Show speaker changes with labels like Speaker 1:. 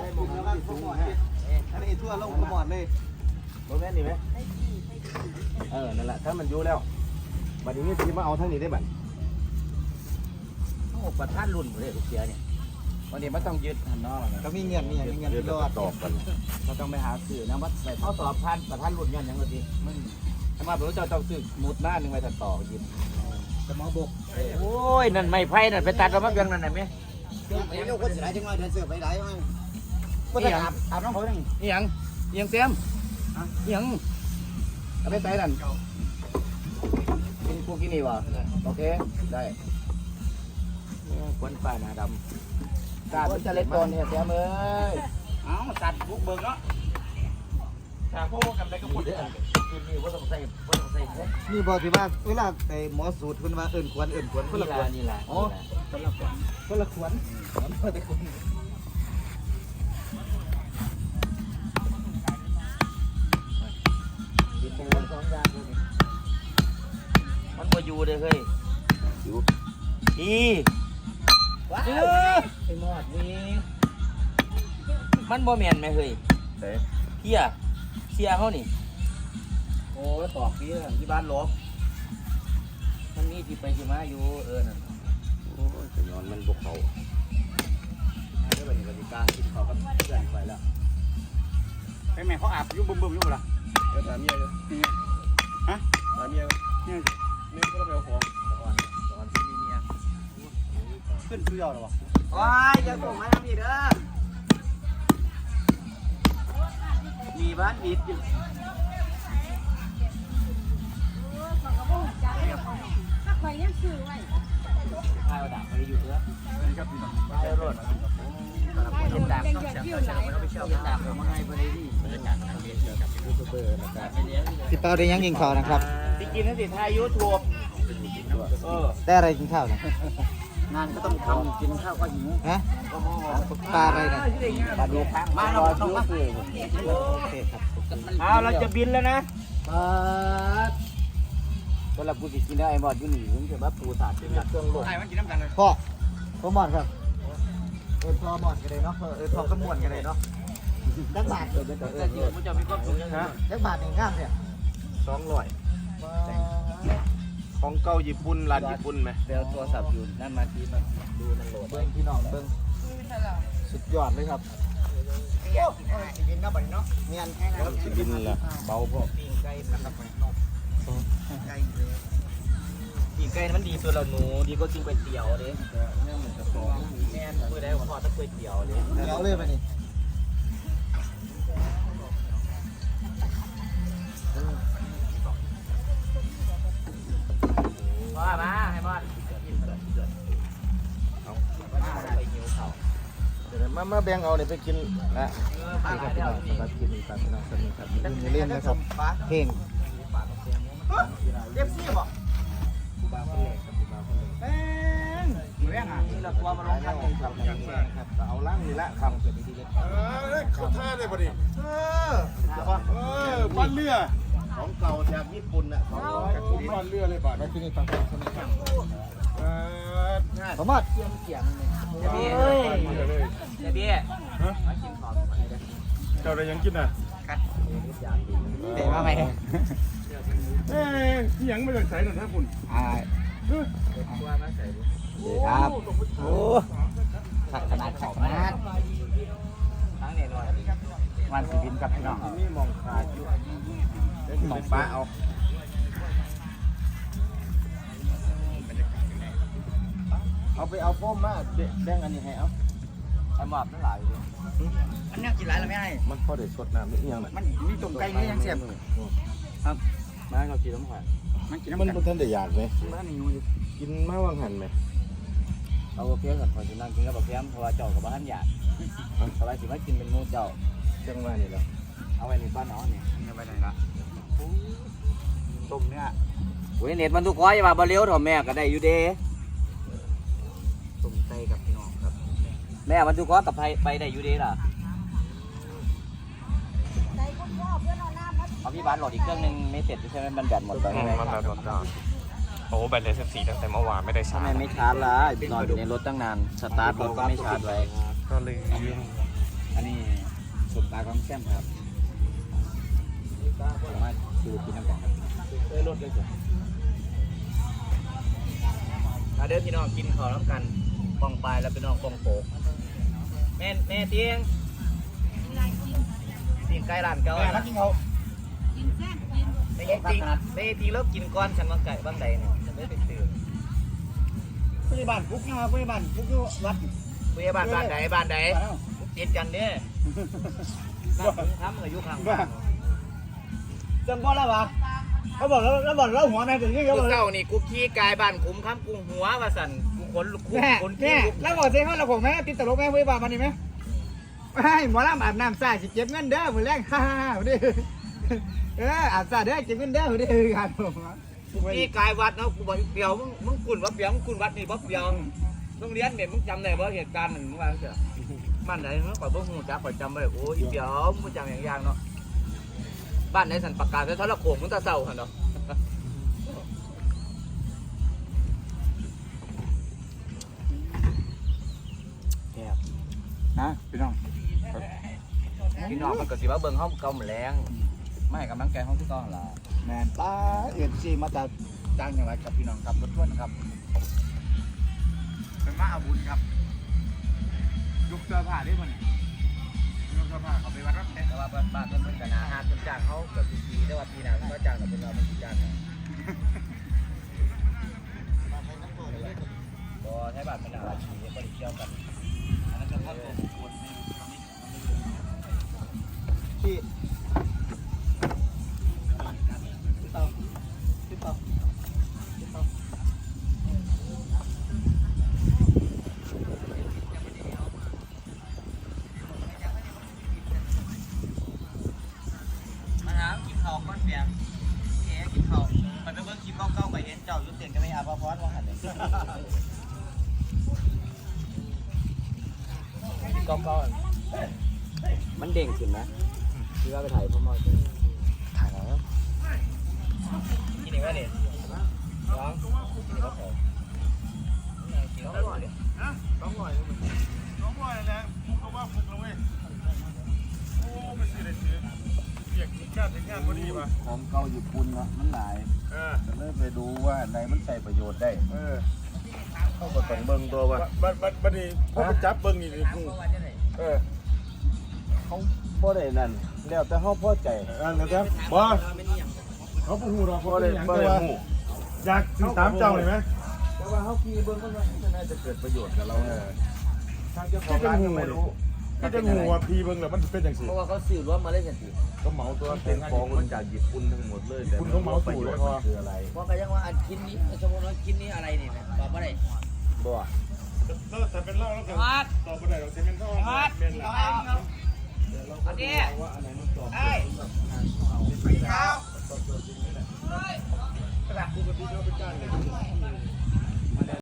Speaker 1: บุกแล้วก็ขมอดอันนี้ทั่วลงขมอดเลยโมเมนต์นี่ไหมนั่นแหละถ้ามันอยู่แล้วบัดนี้ที่มาเอาทั้งนี้ได้บัด
Speaker 2: ทั้ง6ประทัดรุ่นบ่ได้ทุกเสียเนี่ยวันนี้ไม่ต้องยึดหันนอกนะ
Speaker 1: ก็มีเงินรอด
Speaker 2: ตอบกันเราต้องไปหาสื่อนะว่าไปเขาสอบพันประทัดรุ่นยันยังไงดีมันถ้ามาผมจะต้องซื้อมุดหน้าหนึ่งไปตัดต่อยิน
Speaker 1: จะมอบก
Speaker 2: โอ้ยนั่นไม่ไผ่นั่นไปตัดเรามาเพียงนั่นไหนไหม
Speaker 1: ไอ้ลูกคนสิได้จังเลยเดินเสือไปไหนมั้ง
Speaker 2: ก็จะอาบน้องเขาหนึ่งนี่ยังเต็มยังเอาไปใส่นั่นกินพวกกินนี่วะโอเคได้ควนป่าหนาดำตัดจะเล็ดตอนเนี่ยเต็มเลยตัดบุกเบิกเนาะถ้าพวกกันได้ก็พูดได้กินนี่ว่าต้องใส่
Speaker 1: นี่บอกที่ว่าเวลาไอ้หมอสูตรเพิ่นว่าเอิ่นควรคนละควร
Speaker 2: นี่แหละ
Speaker 1: อ๋อคนละควรแต่คน
Speaker 2: มันบ่อยู่เลยเฮ้ยอยู่ว้าวไอ้หมอดนี่มันบ่แม่นไหมเฮ้ยเสียเขานี่โอ้แล้วตอกพี่ที่บ้านลบมันมีที่ไปที่มาอยู่นั่นโอ้ยจะย้อนมันบกเขาเรื่องแบบนี้กลางกินเขาก็เลื่อนไปแล้วไปแม่เขาอาบอยู่บึ้มอยู่ล่ะ
Speaker 1: เดี๋ยวถามเมียอยู่ฮะถามเมียเนี่ยก็ต้องไปเอาของ
Speaker 2: ตอนที่มีเมีย
Speaker 1: ขึ้นเพื่อหรอวะ
Speaker 2: ว้ายอย่าส่งมาทำอีกเด้อมีบ้านบิดอยู่
Speaker 3: ถ้าใครยังซื้อไว้
Speaker 2: พายดับไปอยู่เด้อพายรถเย็นดับต้องเสียบเราไปเช่าเย็นดับเรามาให้พอดีนี่
Speaker 1: พี่เป้าได้ยังกินข้าวนะครับ
Speaker 2: ที่กินนั่นสิทายยูทูบ
Speaker 1: ได้อะไรกินข้าวนะ
Speaker 2: งานก็ต้องทำกินข้าวก็หิว
Speaker 1: ฮะปลาอะไรนะ
Speaker 2: ปลาดูข้างมาเราต้องมาโอเคครับเอาเราจะบินแล้วนะเวลากูจะกินได้ไอ้บอดอยู่หนีผมจะแบบปูสาดเป็นเครื่องโลดไอ้มันกินน้ำกันเลย
Speaker 1: พ่อหมอนครับพ่อหมอนกันเลยเนาะพ่อก็ม่วนกันเลยเนาะจักบาท
Speaker 2: มันจะมีความสุขยังไง
Speaker 1: จักบาทหนึ่งงามเนี่ย
Speaker 4: 200ของเก่าญี่ปุ่นร้านญี่ปุ่นไหม
Speaker 2: เดี๋ยวโทรศัพท์อยู่นั่นมาทีมาดูมันโหลด
Speaker 1: เบิ้งพี่น้องเบิ้งสุดยอดเลยครับบินเนาะบัดนี้เนาะเมียน
Speaker 4: สิบินละเบาพอ
Speaker 2: ปิ้งไก่มันรับมันนกปิ้งไก่มันดีสุดแล้วหนูดีก็กินก๋วยเตี๋ยวเด้แม่เหมือนกับแม่เมื่อได้ผมทอดตะก๋วยเตี๋ยวเด้
Speaker 1: เดี๋ยวเลยไปนี่
Speaker 2: มาให้บอสไปหิวเขา
Speaker 4: เดี๋ยวมาแบ่งเอาเนี่ยไปกินนะ
Speaker 1: นี่ครับพี่น้องสำหรับคลิปนี้ครับพี่น้องสวัสดีครับอย่าลืมเล่นนะครับเพลง
Speaker 2: เรียบซี่บ่
Speaker 1: บาคนเล็กครับบาคนเล็ก
Speaker 2: เรื่องอ่ะนี่เราตัวมาลงทัน
Speaker 1: ครับครับเอาล่างนี่ละคำเกิดดีๆเลย
Speaker 4: เขาท่าเลยพอดีบ้านเรือของเก่าจากญี่ปุ่นน่ะ200บ้านเรือเลยบ้าน
Speaker 1: แล้วที่นี่ฟังคนนี้ครับสมมติ
Speaker 2: เกี่ยงเลยเบี้ยมากินของ
Speaker 4: เจ้าได้ยังกินอ่ะ
Speaker 2: เตะมาไหม
Speaker 4: ยังไม่ได้ใส่หน่อยนะคุณ
Speaker 2: ครับโอ้ขัดขนาดทั้งเนี่ยหน่อยวันสิบินกับพี่น้อง
Speaker 4: นี่มองขาดอยู่มองป้าเอาไปเอาโฟมมาแบ่งอันนี้ให้เอา
Speaker 2: ไอ้หมอบนั่นหลายเลยอันนี้กินหลายแล้วไม่ให้
Speaker 4: มันพอได้สดน้ำนิดยังน่ะ
Speaker 2: มันมีตุ่มไก่นี่ยังเสียบครับมาเรากินน้ำหวาน
Speaker 4: มันกินน้ำมันท่านได้อยากไหม
Speaker 2: บ้านนี้
Speaker 4: กินมาวางหันไหม
Speaker 2: เอาเพี้ยก่อนพอจะนั่งกินกับเพี้ยเพราะว่าเจ้ากับบ้านอยากสบายสิมากินเป็นมูเจ้า
Speaker 4: เชียงมานี่แล้ว
Speaker 2: เอาไว้ในบ้านน้องเนี่ยเอาไว้ไหนละต้มเนี่ยโอ้ยเน็ตมันทุกข้อยว่าบะเลี้ยวถอดแม่ก็ได้อยู่เด้ต้มไก่กับพี่น้องครับแม่มันทุกข้อกับไปได้อยู่เด้ล่ะเอาพี่บ้านโหลดอีกเครื่องนึงไม่เสร็จใช่ไหมมันแบตหมดไป
Speaker 4: มันแบตหมดแล้วโอ้แบตเลย14ตั้งแต่เมื่อวานไม่ได้ชาร์จ
Speaker 2: ทำไมไม่ชาร์จล่ะนอนอยู่ในรถตั้งนานสตาร์ทรถก็ไม่ชาร์จไว้
Speaker 4: ก็เลย
Speaker 2: อันนี้ลาของแซมครับมาดูกินน้ำกันครับ
Speaker 1: รถเลยสิ
Speaker 2: มาเด้อพี่น้องกินข้าวน้ำกันปองปลายแล้วพี่น้องปองโปกแม่เตียงกินไก่ร้านเก่าแล้วกินเขา
Speaker 3: กินแซ่บกิน
Speaker 2: ไม่จริงแล้วกินก้อนฉันว่าไก่บ้างใดเนี่ยฉันไม่ได้ตื่น
Speaker 5: พยาบาลฟุกนะครับพยาบาลฟุกอยู่วัด
Speaker 2: พยาบาลบ้านใดติดกันเนี่ยทำกับยุคาง
Speaker 5: จังบ่แล้ววะเขาบอกแล้วหัวแม่ถึงนี่
Speaker 2: กู
Speaker 5: เขาบอก
Speaker 2: เก่านี่กูขี้กายบ้านคุ้มค้ำกูหัวว่าสั่นกูขนคุก
Speaker 5: แม่
Speaker 2: ขน
Speaker 5: แม่
Speaker 2: ขี้
Speaker 5: แล้วบอกเจ๊เขาเราของแม่ติดตลกแม่พยาบาลมันนี่ไหมให้หมอลำอาบน้ำสายสิเก็บเงินเด้อมือแรกฮ่าดิอาบสายเด้อเก็บเงินเด้อดิครับผม
Speaker 2: กูขี้กายวัดเนาะกูบอกเปียวมึงกุนว่าเปียวมึงกุนวัดนี่บ่เปียวโรงเรียนเนี่ยมึงจำได้บ่เหตุการณ์หนึ่งมึงว่าเสียบ้านไหนมึงก่อนบ่ฮู้จักก่อนจำบ่ได้โอ้ยเปียวมึงจำอย่างเนาะบ้านไหนสันประกาศไว้ทรโขงมึงตาเศร้าหั่นเนาะ
Speaker 5: นะพี่น้อง
Speaker 2: พี่น้องมันก็สิว่าเบิ่งเฮาเก่าแรงไม่ให้กำลังใจเฮาคือเก่าหั่นล่ะ
Speaker 5: แมนป้าเอ็นซีมาจากจ้างอย่างไรกับพี่น้องครับรถท้วนครับเป็นมาอาบุญครับยุกเสื้อผ้าได้มั้ยยุกเสื้อผ้าเขาไปวัดรับแขก
Speaker 2: แต่ว่าบ้านเพิ่นก็น่าหาจนจ้างเฮาเกือบปีแต่ว่าปีหน้ามันก็จ้างกับเพิ่นเรามันสิจ้างบ่ใช้บ้านเป็นอาชีพบ่ได้เกี่ยวกันอันนั้นก็ตัวบุคคล
Speaker 1: พี่
Speaker 2: มาหากินข้าวก่อนเปียงแหมกินข้าวมันจะเบิ่งคลิปเก่าๆไปเห็นเจ้าอยู่เตียงก็ไม่อาบพรว่าหั่นเลยเก่าๆมันเด้งขึ้นนะที่ว่าไปถ่ายพ่อมอถ่ายแล้วกินอีกว่าเนี่ยร้องกินอีกว่ากินแล้วอร่อยดิ
Speaker 4: น้องหน่อยนะฟุกก็ว่าฟุกแล้วเว้ยโอ้ไม่ซื้อเลยซื้อเรียกงานพอดีป่ะ
Speaker 1: ของเก่าญี่ปุ่นเนาะมันหลายจะเริ่มไปดูว่าไหนมันใช้ประโยชน์ได้เขาก็ต้องเบิ่งตัวว่า
Speaker 4: บัดนี้พอไปจับเบิ้งนี่กู
Speaker 1: เขาบ่ได้นั่นแล้วแต่เขาพอใจ
Speaker 4: นะครับบ่เขาพูดหูเราเขา
Speaker 1: บ่
Speaker 4: เป็
Speaker 1: ได้
Speaker 4: นอย่าง
Speaker 1: บ่
Speaker 4: แต่
Speaker 1: ได้
Speaker 4: ว่า
Speaker 1: ฮู้
Speaker 4: อยากซื้อตามเจ้าเลยไหม
Speaker 1: แต่ว่าเขาขี่เบิ่งมันน่าจะเกิดประโยชน์กับเราทางเจ้าของร้านก็ไม่รู้
Speaker 4: ก็จะงูว่าพีเบิ้งแล้วมันเป็นอย่างสิ
Speaker 2: เพราะว่าเขาสื่อรวมมาเล่นกันสิ
Speaker 1: ก็เหมาตัวเป็นของมันจากญี่ปุ่นทั้งหมดเลยแต่มันประโยชน์มันคืออะไร
Speaker 2: เพราะก็ยังว่าอันชิ้นนี้สมมติว่าชิ้นนี้อะไรนี่นะบอกว่าอะไร
Speaker 1: บ่
Speaker 4: แล้วแต่เป็นเล่าแล้วกันต่อไปไหนเราจะเป็นข้าวเป็นละ
Speaker 2: อันนี้
Speaker 1: ว่าอะไรมันตอบ
Speaker 2: ไอ้
Speaker 1: หา